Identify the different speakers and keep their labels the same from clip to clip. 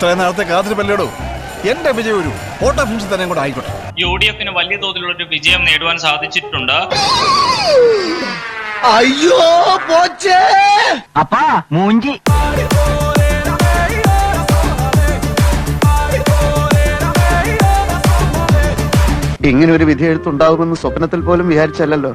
Speaker 1: ഇത്രയും നാളത്തെ കാത്തിരിപ്പല്ലേടോ, എന്റെ വിജയം ഒരു ഫോട്ടോ ഫിനിഷ് തന്നെ കൂടെ ആയിക്കോട്ടെ.
Speaker 2: UDF-ന് വലിയ തോതിലുള്ള ഒരു വിജയം നേടുവാൻ സാധിച്ചിട്ടുണ്ട്.
Speaker 3: അയ്യോ പോച്ചേ അപ്പാ മൂഞ്ചി.
Speaker 4: ഇങ്ങനെ ഒരു വിധി എഴുത്തുണ്ടാകുമെന്ന് സ്വപ്നത്തിൽ പോലും വിചാരിച്ചല്ലോ.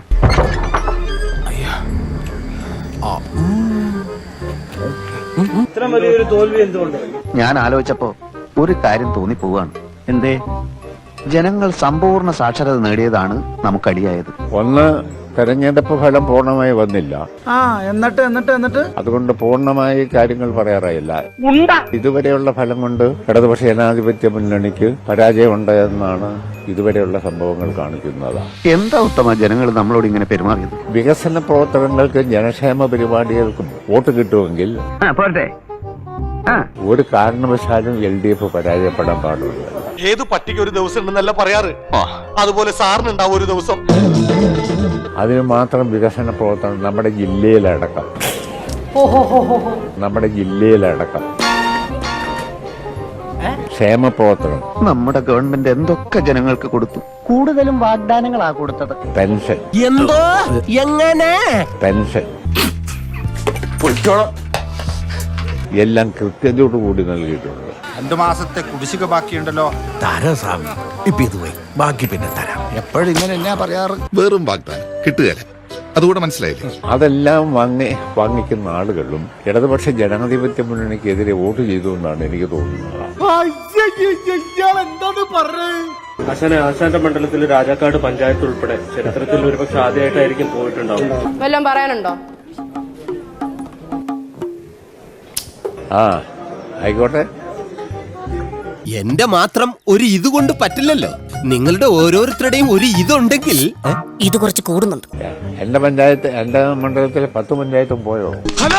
Speaker 5: ഇത്ര വലിയൊരു തോൽവി എന്തുകൊണ്ട്?
Speaker 4: ഞാൻ ആലോചിച്ചപ്പോ ഒരു കാര്യം തോന്നിപ്പോവാണ്. എന്തേ? ജനങ്ങൾ സമ്പൂർണ്ണ സാക്ഷരത നേടിയതാണ് നമുക്കടിയായത്.
Speaker 6: ഒന്ന്, തെരഞ്ഞെടുപ്പ് ഫലം പൂർണ്ണമായി വന്നില്ല.
Speaker 5: എന്നിട്ട്
Speaker 6: അതുകൊണ്ട് പൂർണ്ണമായി കാര്യങ്ങൾ പറയാറായില്ല. ഇതുവരെയുള്ള ഫലം കൊണ്ട് ഇടതുപക്ഷ ജനാധിപത്യ മുന്നണിക്ക് പരാജയമുണ്ട് എന്നാണ് ഇതുവരെയുള്ള സംഭവങ്ങൾ കാണിക്കുന്നത്.
Speaker 4: എന്താ ഉത്തമ ജനങ്ങൾ നമ്മളോട് ഇങ്ങനെ പെരുമാറിയത്?
Speaker 6: വികസന പ്രവർത്തനങ്ങൾക്കും ജനക്ഷേമ പരിപാടികൾക്കും വോട്ട് കിട്ടുമെങ്കിൽ ഒരു കാരണവശാലും LDF പരാജയപ്പെടാൻ പാടില്ല.
Speaker 7: ഏത് പട്ടിക്ക് ഒരു ദിവസം ഉണ്ടെന്നല്ല പറയാറ്, അതുപോലെ സാറിനുണ്ടാവും ഒരു ദിവസം.
Speaker 6: അതിന് മാത്രം വികസന പ്രവർത്തനം നമ്മുടെ ജില്ലയിലടക്കം ക്ഷേമ പ്രവർത്തനം
Speaker 4: നമ്മുടെ ഗവൺമെന്റ് എന്തൊക്കെ ജനങ്ങൾക്ക് കൊടുത്തു.
Speaker 3: കൂടുതലും വാഗ്ദാനങ്ങളാ കൊടുത്തത്.
Speaker 6: പെൻഷൻ,
Speaker 3: എന്തോ എങ്ങനെ
Speaker 6: പെൻഷൻ എല്ലാം കൃത്യതയോടുകൂടി നൽകിയിട്ടുണ്ട്.
Speaker 1: 2 മാസത്തെ കുടിശ്ശിക ബാക്കിയുണ്ടല്ലോ.
Speaker 8: തരാം സ്വാമി, ഇപ്പൊ ഇത് പോയി, ബാക്കി പിന്നെ തരാം.
Speaker 1: എപ്പോഴും ഇങ്ങനെ എന്നാ പറയാറ്?
Speaker 9: വെറും വാഗ്ദാനം കിട്ടുകയല്ല, അതുകൂടെ മനസ്സിലായില്ലേ?
Speaker 6: അതെല്ലാം വാങ്ങിക്കുന്ന ആളുകളും ഇടതുപക്ഷ ജനാധിപത്യ മുന്നണിക്കെതിരെ വോട്ട് ചെയ്തു എന്നാണ് എനിക്ക് തോന്നുന്നത്.
Speaker 5: ആശാന്റെ മണ്ഡലത്തിൽ രാജാക്കാട് പഞ്ചായത്ത് ഉൾപ്പെടെ ചരിത്രത്തിൽ ഒരുപക്ഷെ ആദ്യമായിട്ടായിരിക്കും പോയിട്ടുണ്ടാവും.
Speaker 10: വല്ലതും പറയാനുണ്ടോ?
Speaker 6: ആയിക്കോട്ടെ.
Speaker 8: എന്റെ മാത്രം ഒരു ഇതുകൊണ്ട് പറ്റില്ലല്ലോ. നിങ്ങളുടെ ഓരോരുത്തരുടെയും ഒരു ഇതുണ്ടെങ്കിൽ
Speaker 10: ഇത് കുറച്ച് കൂടുന്നുണ്ട്.
Speaker 6: എന്റെ മണ്ഡലത്തിലെ 10 പഞ്ചായത്തും പോയോ?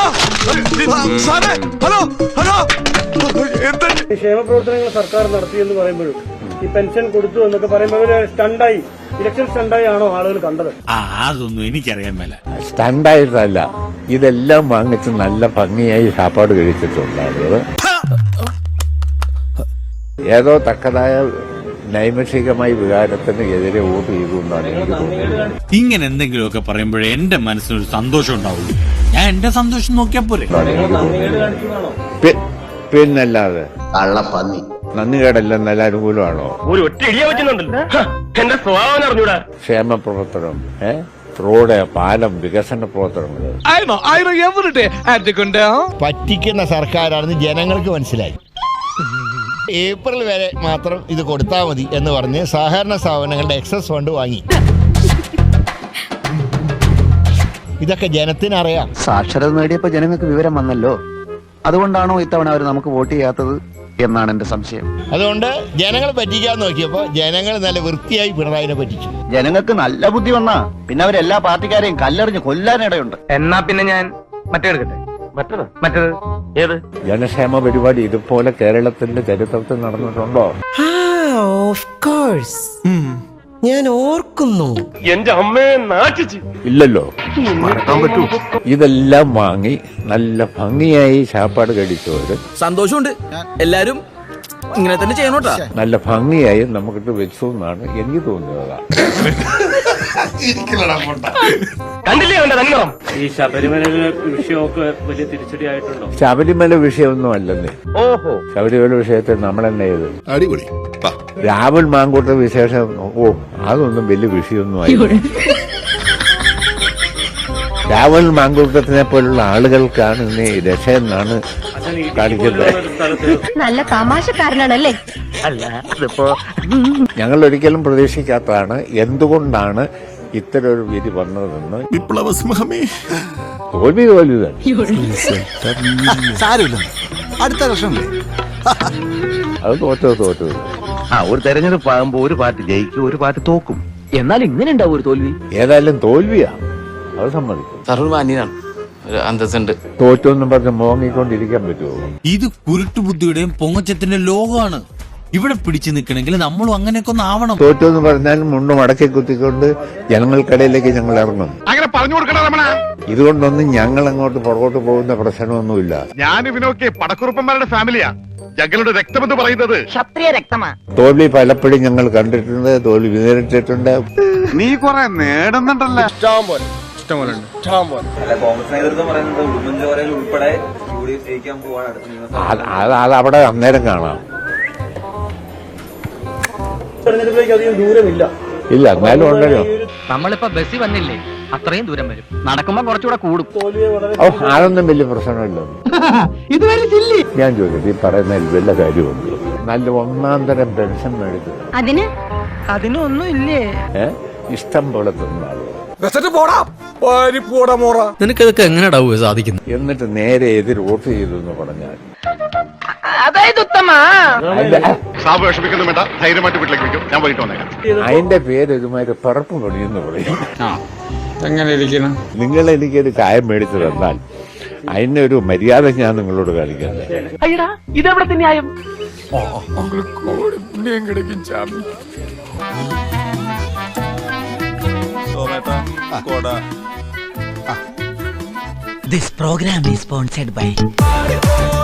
Speaker 5: ക്ഷേമ പ്രവർത്തനങ്ങൾ സർക്കാർ നടത്തിയെന്ന് പറയുമ്പോഴും ഈ പെൻഷൻ കൊടുത്തു എന്നൊക്കെ പറയുമ്പോൾ സ്റ്റണ്ടായി, ഇലക്ഷൻ സ്റ്റണ്ടായി ആണോ ആളുകൾ കണ്ടത്?
Speaker 8: അതൊന്നും എനിക്കറിയാൻ മേല.
Speaker 6: സ്റ്റണ്ടായിട്ടല്ല, ഇതെല്ലാം വാങ്ങിച്ച് നല്ല ഭംഗിയായി സാപ്പാട് കഴിച്ചിട്ടുണ്ടാകുന്നത്. ഏതോ തക്കതായ നൈമിഷികമായ വികാരത്തിന് എതിരെ വോട്ട് ചെയ്തു എന്നാണ് എനിക്ക് തോന്നുന്നത്.
Speaker 8: ഇങ്ങനെ എന്തെങ്കിലുമൊക്കെ പറയുമ്പോഴേ എന്റെ മനസ്സിനൊരു സന്തോഷം ഉണ്ടാവുള്ളൂ. ഞാൻ എന്റെ സന്തോഷം നോക്കിയാ പോരെ.
Speaker 6: പിന്നല്ലാതെ
Speaker 4: കള്ളപ്പന്നി
Speaker 6: നന്ദികേടല്ല അനുകൂലമാണോ?
Speaker 5: ഒരു ഒറ്റ ഇടിയ പറ്റുന്നുണ്ടല്ലോ, എന്റെ സ്വഭാവം അറിഞ്ഞൂടാ.
Speaker 6: ക്ഷേമ പ്രവർത്തനം, റോഡ്, പാലം, വികസന പ്രവർത്തനങ്ങൾ
Speaker 11: പറ്റിക്കുന്ന സർക്കാരാണെന്ന് ജനങ്ങൾക്ക് മനസ്സിലായി. ഏപ്രിൽ വരെ മാത്രം ഇത് കൊടുത്താൽ മതി എന്ന് പറഞ്ഞ് സഹകരണ സ്ഥാപനങ്ങളുടെ എക്സസ് ഫണ്ട് വാങ്ങി. ഇതൊക്കെ ജനത്തിനറിയാം.
Speaker 4: സാക്ഷരത നേടിയപ്പോ ജനങ്ങൾക്ക് വിവരം വന്നല്ലോ. അതുകൊണ്ടാണോ ഇത്തവണ അവർ നമുക്ക് വോട്ട് ചെയ്യാത്തത് എന്നാണ് എന്റെ സംശയം.
Speaker 11: അതുകൊണ്ട് ജനങ്ങളെ പറ്റിക്കാൻ നോക്കിയപ്പോ ജനങ്ങൾ നല്ല വൃത്തിയായി പിണറായിനെ പറ്റിച്ചു.
Speaker 4: ജനങ്ങൾക്ക് നല്ല ബുദ്ധി വന്നാ പിന്നെ അവരെല്ലാ പാർട്ടിക്കാരെയും കല്ലെറിഞ്ഞ് കൊല്ലാനിടയുണ്ട്.
Speaker 5: എന്നാ പിന്നെ ഞാൻ മറ്റേത് ഏത്
Speaker 6: ജനക്ഷേമ പരിപാടി ഇതുപോലെ കേരളത്തിന്റെ ചരിത്രത്തിൽ നടന്നിട്ടുണ്ടോ?
Speaker 3: ഞാൻ ഓർക്കുന്നു.
Speaker 5: എന്റെ അമ്മയെ നാട്ടിച്ച്
Speaker 6: ഇല്ലല്ലോ. ഇതെല്ലാം വാങ്ങി നല്ല ഭംഗിയായി ചാപ്പാട് കഴിച്ചവര്
Speaker 3: സന്തോഷമുണ്ട്. എല്ലാരും ഇങ്ങനെ തന്നെ ചെയ്യണോട്ടാ.
Speaker 6: നല്ല ഭംഗിയായി നമുക്കിട്ട് വെച്ചു എന്നാണ് എനിക്ക് തോന്നുന്നത്.
Speaker 5: കണ്ടില്ലേ അവന്റെ തന്നിറം? ഈ ശബരിമല വിഷയമൊക്കെ വലിയ തിരിച്ചടിയായിട്ടുണ്ടോ?
Speaker 6: ശബരിമല വിഷയമൊന്നും അല്ലെന്നേ.
Speaker 5: ഓഹോ,
Speaker 6: ശബരിമല വിഷയത്തിൽ നമ്മളെന്നെ ചെയ്ത്
Speaker 9: അടിപൊളി.
Speaker 6: രാഹുൽ മാങ്കൂട്ട വിശേഷം, അതൊന്നും വലിയ വിഷയമൊന്നും ആയി. രാഹുൽ മാങ്കൂട്ടത്തിനെ പോലുള്ള ആളുകൾക്കാണ് ഇന്ന് രക്ഷയെന്നാണ് കാണിക്കുന്നത്.
Speaker 10: നല്ല തമാശക്കാരനാണല്ലേ?
Speaker 5: അല്ല അതിപ്പോ
Speaker 6: ഞങ്ങൾ ഒരിക്കലും പ്രതീക്ഷിക്കാത്തതാണ്. എന്തുകൊണ്ടാണ് ഇത്തരൊരു വിധി വന്നതെന്ന്.
Speaker 9: വിപ്ലവസിംഹമേ,
Speaker 6: തോൽവി തന്നെ.
Speaker 1: സാരമില്ല, അടുത്ത വർഷമല്ലേ.
Speaker 6: അത് തോറ്റത്.
Speaker 4: ഒരു തെരഞ്ഞെടുപ്പ് ആകുമ്പോ ഒരു പാർട്ടി ജയിക്കും, ഒരു പാർട്ടി തോക്കും.
Speaker 3: എന്നാൽ ഇങ്ങനെ ഉണ്ടാവും ഒരു തോൽവി.
Speaker 6: ഏതായാലും തോൽവിയാ, അത് സമ്മതിക്കും.
Speaker 3: സർവ്വമാന്യനാണ്, അന്തസ്സുണ്ട്.
Speaker 6: തോറ്റൊന്നും പറഞ്ഞ് മോങ്ങിക്കൊണ്ടിരിക്കാൻ പറ്റുമോ?
Speaker 8: ഇത് കുരുട്ടുബുദ്ധിയുടെയും പൊങ്ങച്ചത്തിന്റെ ലോകമാണ്. ഇവിടെ പിടിച്ചു നിൽക്കണമെങ്കിൽ നമ്മളും അങ്ങനെയൊക്കെ ഒന്ന് ആവണം.
Speaker 6: തോറ്റെന്ന് പറഞ്ഞാൽ മുണ്ട് മടക്കി കുത്തിക്കൊണ്ട് ജനങ്ങൾക്കിടയിലേക്ക് ഞങ്ങൾ ഇറങ്ങും.
Speaker 7: അങ്ങനെ പറഞ്ഞു കൊടുക്കണ
Speaker 6: ഇതുകൊണ്ടൊന്നും ഞങ്ങൾ അങ്ങോട്ട് പുറകോട്ട് പോകുന്ന പ്രശ്നമൊന്നുമില്ല.
Speaker 7: ഞാൻ ഇവനൊക്കെ പടക്കുറുപ്പന്മാരുടെ ഫാമിലിയാ.
Speaker 9: ഞങ്ങളുടെ രക്തമെന്ന് പറയുന്നത്
Speaker 10: ക്ഷത്രിയ രക്തമാ.
Speaker 6: തോൽവി പലപ്പോഴും ഞങ്ങൾ കണ്ടിട്ടുണ്ട്, തോൽവി നേരിട്ടിട്ടുണ്ട്.
Speaker 4: നീ കൊറേ നേടുന്നുണ്ടല്ലോ.
Speaker 6: അത് അവിടെ അന്നേരം കാണാം.
Speaker 5: തെരഞ്ഞെടുപ്പിലേക്ക് അധികം ദൂരമില്ല.
Speaker 6: ഇല്ല, എന്നാലും ഉണ്ടല്ലോ.
Speaker 3: നമ്മളിപ്പോ ബസ്സിൽ വന്നില്ലേ, അത്രയും ദൂരം വരും. നടക്കുമ്പോ കുറച്ചുകൂടെ കൂടും.
Speaker 5: തോൽവിയെ വളരെ
Speaker 6: അതൊന്നും വലിയ പ്രശ്നമില്ല. ഞാൻ ചോദിക്കട്ടെ, ഈ പറയുന്നതിൽ വല്ല കാര്യമുണ്ട്? നല്ല ഒന്നാം തരം പെൻഷൻ മേടിക്കുന്നത്
Speaker 10: അതിനൊന്നും ഇല്ലേ?
Speaker 6: ഇഷ്ടം പോലെ തിന്നാളുകൾ.
Speaker 3: നിനക്കിതൊക്കെ എങ്ങനെയാ സാധിക്കുന്നത്?
Speaker 6: എന്നിട്ട് നേരെ എതിർ വോട്ട് ചെയ്തു എന്ന് പറഞ്ഞാൽ
Speaker 10: അതായത് ഉത്തമ
Speaker 9: സാബ് വിഷമിക്കുന്നു വേണ്ട, ധൈര്യമായിട്ട് വീട്ടിലേക്ക് വയ്ക്കും. ഞാൻ വൈകിട്ട് വന്നേക്കാം.
Speaker 6: അതിന്റെ പേര് ഇതുമാതിരി പിറപ്പ് പണിയെന്ന് പറയും. നിങ്ങൾ എനിക്കൊരു ചായ മേടിച്ചു തന്നാൽ അതിനൊരു മര്യാദ ഞാൻ നിങ്ങളോട് കാണിക്കുന്നത്.
Speaker 10: ഇതെവിടത്തെ ന്യായം?
Speaker 3: This program is sponsored by